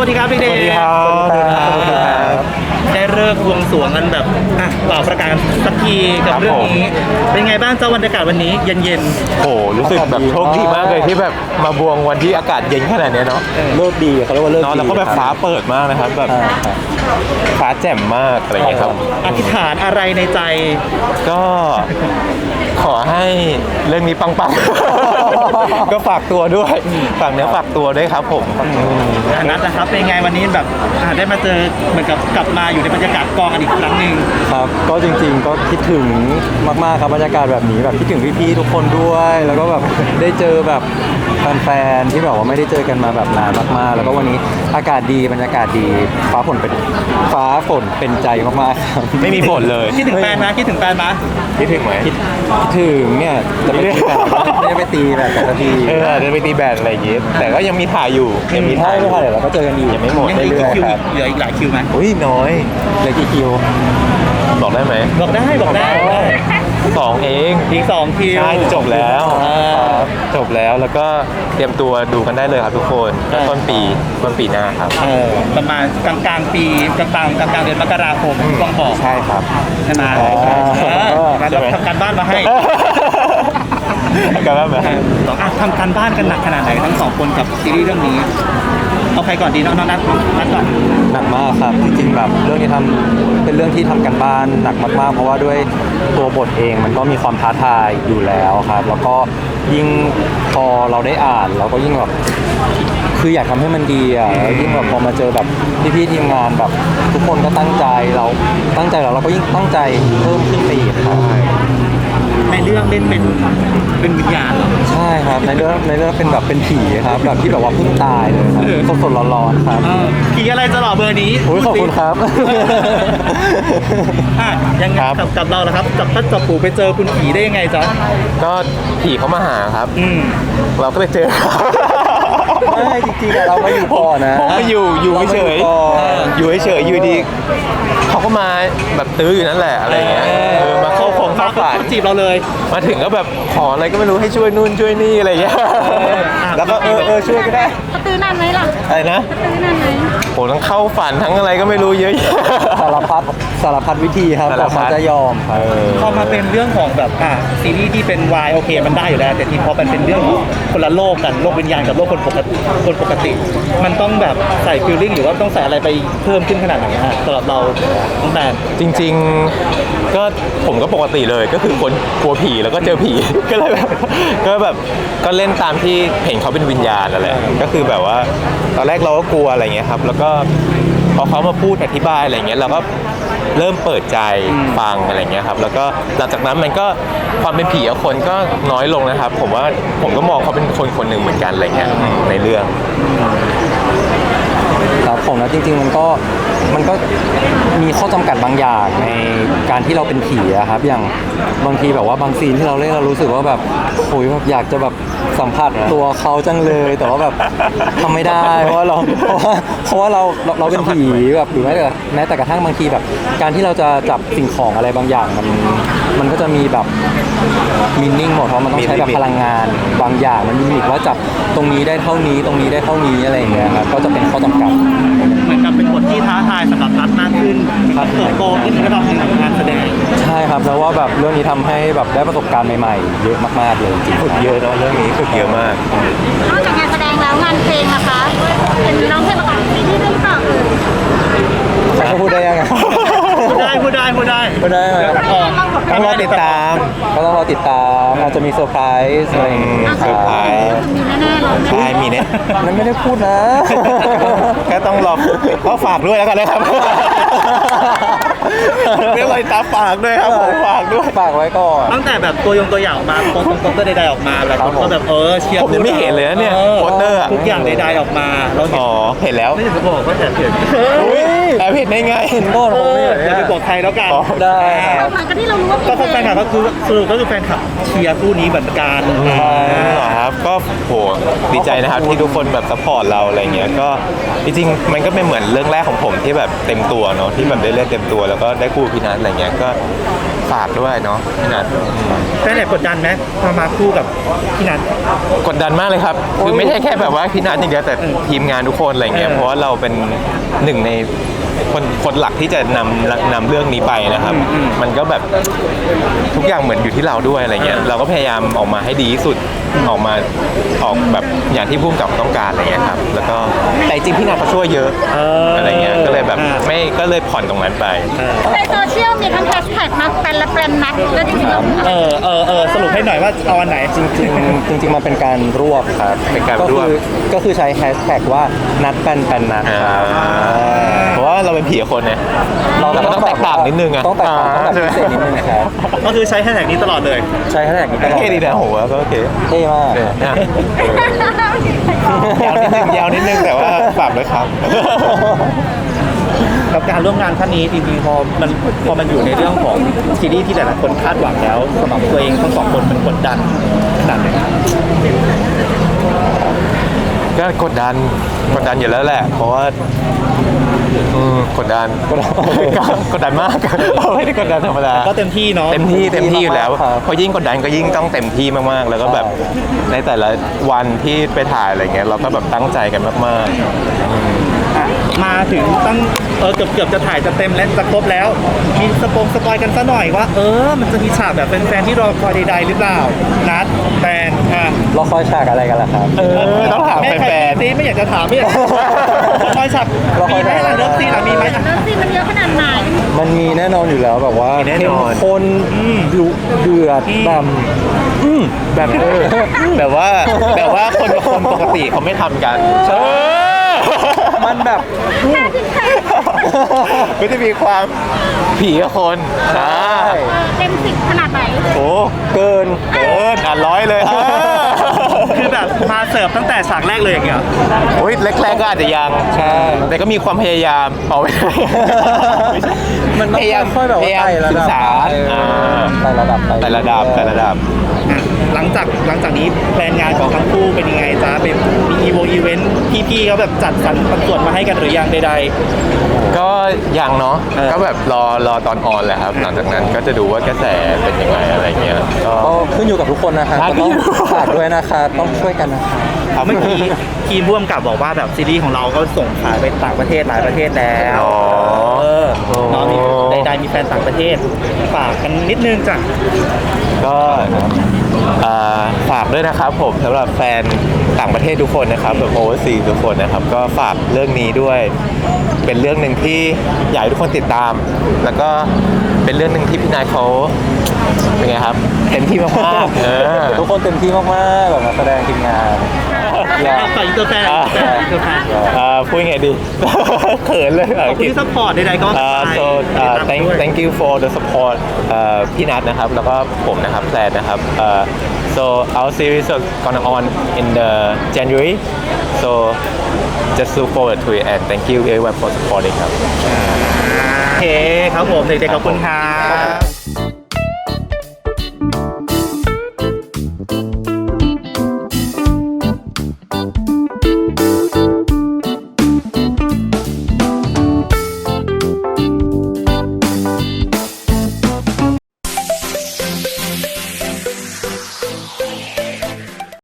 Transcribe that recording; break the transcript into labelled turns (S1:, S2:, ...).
S1: วัสดีครับพี่เดช
S2: สวัสดีครับ
S1: ได้เลิกบวงสรวงกันแบบเป่าประกาศสักทีกับเรื่องนี้เป็นไงบ้างเจ้าบรรยากาศวันนี้เย็น
S2: โอ้รู้สึกแบบโชคดีมากเลยที่แบบมาบวงวันที่อากาศเย็นขนาดนี้เนาะ
S3: เลิกดีเขาเรียกว่าเลิก
S2: เนาะ
S3: ดี
S2: แล้วก็แบบฟ้าเปิดมากนะครับแบบฟ้าแจ่มมากอะไรอย่างเงี้ยครับ
S1: อธิษฐานอะไรในใจ
S2: ก็ขอให้เรื่องนี้ปังๆ ก็ฝากตัวด้วยฝากเนื้อฝากตัวด้วยครับผม
S1: นัดนะครับเป็นไงวันนี้แบบได้มาเจอเหมือนกับกลับมาอยู่ในบรรยากาศกองกันอีกครั้งหนึ่ง
S3: ครับก็จริงๆก็คิดถึงมากๆครับบรรยากาศแบบนี้แบบคิดถึงพี่ๆทุกคนด้วย แล้วก็แบบได้เจอแบบแฟนๆที่แบบว่าไม่ได้เจอกันมาแบบนานมากๆแล้วก็วันนี้อากาศดีบรรยากาศดีฟ้าฝนเป็นใจมากๆครับ
S2: ไม่มีฝนเลย
S1: คิดถึงแฟนไหมคิดถึงแฟนไหม
S2: คิดถึงไหม
S3: คิดถึงเนี่ยจะไปตีแบบไม่ได้ไปตีแบบแต่ละที
S2: เดินไปตีแบดอะไรอย่างเงี้ยแต่ก็ยังมีถ่ายอยู่ยังมี
S3: ใช่
S2: ถ่าย
S3: ไม่ค่ะเดี๋ยวเราก็เจอกันอีก
S2: ยังไม่หมด
S1: ยังเหลือ
S3: เรื่
S1: อี
S3: อก ย
S1: คิว
S3: ๆครับ
S1: เหลืออีกหลายคิวไหม
S2: อุ้ยน้อย
S3: เหลือกี่คิว
S2: บอกได้ไหม
S1: บอกได้บอกได้
S2: 2เอง
S1: อีก2คิว
S2: ใช่จบแล้ว
S1: อ่า
S2: จบแล้วแล้วก็เตรียมตัวดูกันได้เลยครับทุกคนก็ต้นปีหน้าครับ
S1: ประมาณกลางๆปีกลางเดือนมกราคมต้องบอก
S2: ใช่ครับ
S1: ใช่ไหม
S2: ใช่ไหม
S1: ทำการบ้านมาให้
S2: กันแล้วไหม
S1: ทำการบ้านกันหนักขนาดไหนทั้ง2คนกับซีรีส์เรื่องนี้เอาใครก่อนดีน้องนัดก่อน
S3: หนักมากครับจริงๆแบบเรื่องนี้เป็นเรื่องที่ทำกันบ้านหนักมากๆเพราะว่าด้วยตัวบทเองมันก็มีความท้าทายอยู่แล้วครับแล้วก็ยิ่งพอเราได้อ่านเราก็ยิ่งแบบคืออยากทำให้มันดีอ่ะแล้วยิ่งแบบพอมาเจอแบบพี่ๆทีมงานแบบทุกคนก็ตั้งใจเราก็ยิ่งตั้งใจเพิ่มขึ้นไปอีกครับ
S1: ในเรื่องเล่นเป็นวิญญาณเหรอ
S3: ใช่ครับในเรื่องเป็นแบบเป็นผีครับแบบที่แบบว่าเพิ่งตายเลยครับสดๆร้อนๆครับ
S1: ผีอะไรจะหล่อเบอร์นี้
S3: โอ้ยขอบคุณครับ
S1: ยังไงกับเราล่ะครับจับปู่ไปเจอคุณผีได้ยังไงจ๊ะ
S2: ก็ผีเขามาหาครับ เราก็ไปเจอ
S3: ไม่จริงๆอะเรามาอยู่ก่อนนะ
S2: ผมมาอยู่เฉยอยู่เฉยอยู่ดีเขาก็มาแบบตื้ออยู่นั่นแหละอะไรเงี้ยมาเข้าฝัน
S1: เขาจีบเราเลย
S2: มาถึงก็แบบขออะไรก็ไม่รู้ให้ช่วยนู่นช่วยนี่อะไรเงี้ยแล้วก็ช่วยก็ได้
S4: เขาตื้อนานไหมล่ะ
S2: อะไรนะ
S4: ตื้อนานไหม
S2: โหทั้งเข้าฝันทั้งอะไรก็ไม่รู้เยอะแยะ
S3: สารพัดวิธีครับ
S2: สาร
S3: กว่า
S2: พั
S3: เขา
S2: ด
S3: จะยอมครับ
S1: พอมาเป็นเรื่องของแบบซีรีส์ที่เป็นวายโอเคมันได้อยู่แล้วแต่ทีพอเป็นเรื่องของคนละโลกกันโลกวิญญาณกับโลกคนปกติมันต้องแบบใส่ฟีลลิ่งหรือว่าต้องใส่อะไรไปเพิ่มขึ้นขนาดไหนสำหรับเราตั้งแต่
S2: จริงๆก็ผมก็ปกติเลยก็คือคนกลัวผีแล้วก็เจอผี ก็เลยแบบก็เล่นตามที่เห็นเขาเป็นวิญญาณนั่นแหละก็คือแบบว่าตอนแรกเราก็กลัวอะไรเงี้ยครับแล้วก็พอเขามาพูดอธิบายอะไรเงี้ยเราก็เริ่มเปิดใจฟังอะไรเงี้ยครับแล้วก็หลังจากนั้นมันก็ความเป็นผีของคนก็น้อยลงนะครับผมว่าผมก็มองเขาเป็นคนหนึ่งเหมือนกันอะไรเงี้ยในเรื่อง
S3: ครับผมนะจริงๆมันก็มีข้อจำกัดบางอย่างในการที่เราเป็นผีอะครับอย่างบางทีแบบว่าบางซีนที่เราเล่นเรารู้สึกว่าแบบโอยแบบอยากจะแบบสัมผัสตัวเขาจังเลยแต่ว่าแบบทำไม่ได้เพราะว่าเราเป็นผีแบบหรือแม้แต่กระทั่งบางทีแบบการที่เราจะจับสิ่งของอะไรบางอย่างมันก็จะมีแบบมินนิ่งหมดเพราะมันต้องใช้แบบพลังงานบางอย่างมันมีลิมิตว่าจับตรงนี้ได้เท่านี้ตรงนี้ได้เท่านี้อะไรอย่างเงี้ยครับก็จะเป็นข้อจำกัด
S1: เหมือนกับเป็นบทที่ท้าทายสำหรับนัดมากขึ้นเติบโตขึ้นในระดับหนึ่งของงานแสดง
S3: ใช่ครับแล้วว่าแบบเรื่องนี้ทำให้แบบได้ประสบการณ์ใหม่ๆเยอะมากๆเลยจริงๆ
S2: ฝึกเยอะเนาะเรื่องนี้ฝึกเยอะมาก
S4: นอกจากงานแสดงแล้วงานเพลงล่ะคะ เป็นร้องเพลงประกอบซีรีส์ด้วยหรือเปล่า
S3: เขาพูดได้ยังไง
S1: พูดได้
S3: พูดได้ไหม
S2: ต้องรอติดตาม
S3: ก็ต้องรอติดตามอาจจะมีเซอร์ไพรส์อะไรอย่างเงี้ย
S2: เซอร์ไพรส์
S4: มีแน่ๆเลย
S2: ใช่มีเนี่ย
S3: นั้นไม่ได้พูดนะ
S2: แค่ต้องรอก็ฝากด้วยแล้วกันนะครับเรื่องอะไรตามฝากด้วยครับผมฝากด้วย
S3: ฝากไว้ก่อน
S1: ตั้งแต่แบบตัวอย่างออกมาโปสเตอร์ใดๆออกมาแล้วก็แบบเชียร์
S2: ผมยังไม่เห็นเลยนะเนี่ยโปสเตอร์อะ
S1: ทุกอย่างใดๆออกมาเราเห็น
S2: อ๋อเห็นแล้ว
S1: ไม่ถึงจะบอกว่าแต่เห็น
S2: อุ้ยแอบเห็นได้ไง
S3: เห็นก่อนผมไม่เห็น
S1: อย่าไปบอกใครแล้วกัน
S2: อ๋อ
S3: ได้
S4: หลังจากที่เรารู้ว่า
S1: ก็แฟนคลับก็คือสรุปก็คือแฟนคลับเชียร์คู่นี้เหมือนกัน
S2: เหรอครับก็โหดีใจนะครับที่ทุกคนแบบซัพพอร์ตเราอะไรเงี้ยก็จริงๆมันก็เป็นเหมือนเรื่องแรกของผมที่แบบเต็มตัวเนาะที่แบบได้เล่นเต็มตัวแล้วก็ได้คู่พี่นัทอะไรเงี้ยก็ฝากด้วยเนาะพี่นัท
S1: ตแฟนแอบกดดันไหมมาคู่กับพี่นัท
S2: กดดันมากเลยครับ คือไม่ใช่แค่แบบว่าพี่นัทอย่างเดียวแต่ทีมงานทุกคนอะไรเงี้ย เพราะว่าเราเป็นหนึ่งในคนหลักที่จะนำเรื่องนี้ไปนะครับ มันก็แบบทุกอย่างเหมือนอยู่ที่เราด้วยอะไรเงี้ย เราก็พยายามออกมาให้ดีที่สุด ออกแบบอย่างที่พุ่มกับต้องการอะไรเงี้ยครับ แล้วก็แต่จริงพี่นัทเขาช่วยเยอะอะไรเงี้ย ก็เลยแบบก็เลยผ่อนตรงนั้นไป
S4: ในโซเชียลมีทั้งแฮชแท็กนักเป็นและเป็นนักแล้วจริงๆ
S1: สรุปให้หน่อยว่าเอาอันไหน
S3: จริงๆมันเป็นการรวบครับ
S2: เป็นการรวบ
S3: ก็คือใช้แฮชแท็กว่านัดแปนนัดครับ
S2: เพราะว่าเราเป็นผีกับคนเนี่ย เราก็ต้องแตกต่างนิดนึงอะ
S3: ต้องแตกต่างต้องแบบพิเศษนิดนึงครับ
S1: ก็คือใช้แฮชแท็กนี้ตลอดเลย
S3: ใช้แฮชแท็กนี้ตลอด
S2: โอเคดีนะผมว่าก็โอเค
S3: เท่มาก
S2: ยาวนิดนึงแต่ว่าฝากด้วยครับ
S1: กับการร่วมงานครั้งนี้จริงๆพอมันอยู่ในเรื่องของซีรีส์ที่หลายๆคนคาดหวังแล้วสำหรับตัวเองทั้งสองคนมันกดดันขนาดไหนครับ
S2: ก็กดดันอยู่แล้วแหละ เพราะว่ากดดันกดดันมาก ไม่ได้กดดันธรรมดา
S1: ก็เต็มที่เนาะ
S2: เต็มที่อยู่แล้วเพราะยิ่งกดดันก็ยิ่งต้องเต็มที่มากๆ แล้วก็แบบในแต่ละวันที่ไปถ่ายอะไรเงี้ยเราก็แบบตั้งใจกันมาก
S1: มาถึงตั้งเกือบจะถ่ายจะเต็มและจะครบแล้ว มีสปอยกันซะหน่อยว่ามันจะมีฉากแบบแฟนๆที่รอคอยใดๆหรือเปล่านัดแฟน
S3: เราคอยฉากอะไรกันล่ะครับ
S2: ต้องถามแฟน
S1: ซีไม่อยากจะถามไม่อยากจะคอยฉากมีไหมล่ะเลิฟซีนมีไหม
S4: เลิฟซีนมันเยอะขนาดไหน
S3: มันมีแน่นอนอยู่แล้วแบบว่า
S2: มีแน่นอน
S3: เข้มข้นดุเดือดดำ
S2: แบบแบบว่าคนปกติเขาไม่ทำกัน
S3: มันแบบ
S2: ก็จะมีความผีกับคน
S4: เต็ม10ขนาดไหน
S2: โอ้
S3: เกิน
S2: ร้อยเลย
S1: คือแบบมาเสิร์ฟตั้งแต่ฉากแรกเลยอย่างเงี้ย
S2: โอ้ยแรกๆก็อาจจะยัง
S3: ใช่
S2: แต่ก็มีความพยายามเอาไว้
S3: มันต้องค่อยๆแบบว่าไต่ระ
S2: ศึ
S3: ดั
S2: ก
S3: บ
S2: ษา
S3: ไต่ระดับ
S2: แต่ระดับ
S1: หลังจากนี้แผนงานของทั้งคู่เป็นยังไงจ๊ะเป็นมีอีเวนต์พี่ๆเขาแบบจัดสรรปันส่วนมาให้กันหรือยังใด
S2: ก็ยังเนาะก็แบบรอตอนออนแหละครับ หลังจากนั้นก็จะดูว่ากระแสเป็นยังไงอะไรเงี้ยก็
S3: ก็ขึ้นอยู่กับทุกคนนะครับ
S2: ครับ
S3: ก็ต้องฝากด้วยนะครับต้องช่วยกันนะครับ
S1: ๆเมื่อกี้ทีมร่วมกับบอกว่าแบบซีรีส์ของเราก็ส่งขายไปต่างประเทศหลายประเทศแล้ว
S2: อ๋อ
S1: เนาะมีใดๆมีแฟนต่างประเทศฝากกันนิดนึงจ้ะ
S2: ก็ฝากด้วยนะครับผมสำหรับแฟนต่างประเทศทุกคนนะครับแบบโอเวอร์ซีทุกคนนะครับก็ฝากเรื่องนี้ด้วย เป็นเรื่องหนึ่งที่อยากให้ทุกคนติดตาม แล้วก็เป็นเรื่องหนึ่งที่พี่นายเขาเป็นไงครับเต็มที่มากๆ
S3: ทุกคนเต็มที่มากๆแบบนักแสดงทีมงาน
S1: ฝากอินเตอร์แฟนอินเตอร์แฟน
S2: พูดยังไงดี เขินเลย
S1: ขอบคุณที่ซัพพอร์ตใดๆก็
S2: so thank you for the support พี่นัทนะครับแล้วก็ผมนะครับแพลนนะครับso our series is gonna on in the January so just look forward to it and thank you everyone for supporting ครับ
S1: โอเคครับผมเด็กๆขอบคุณครับ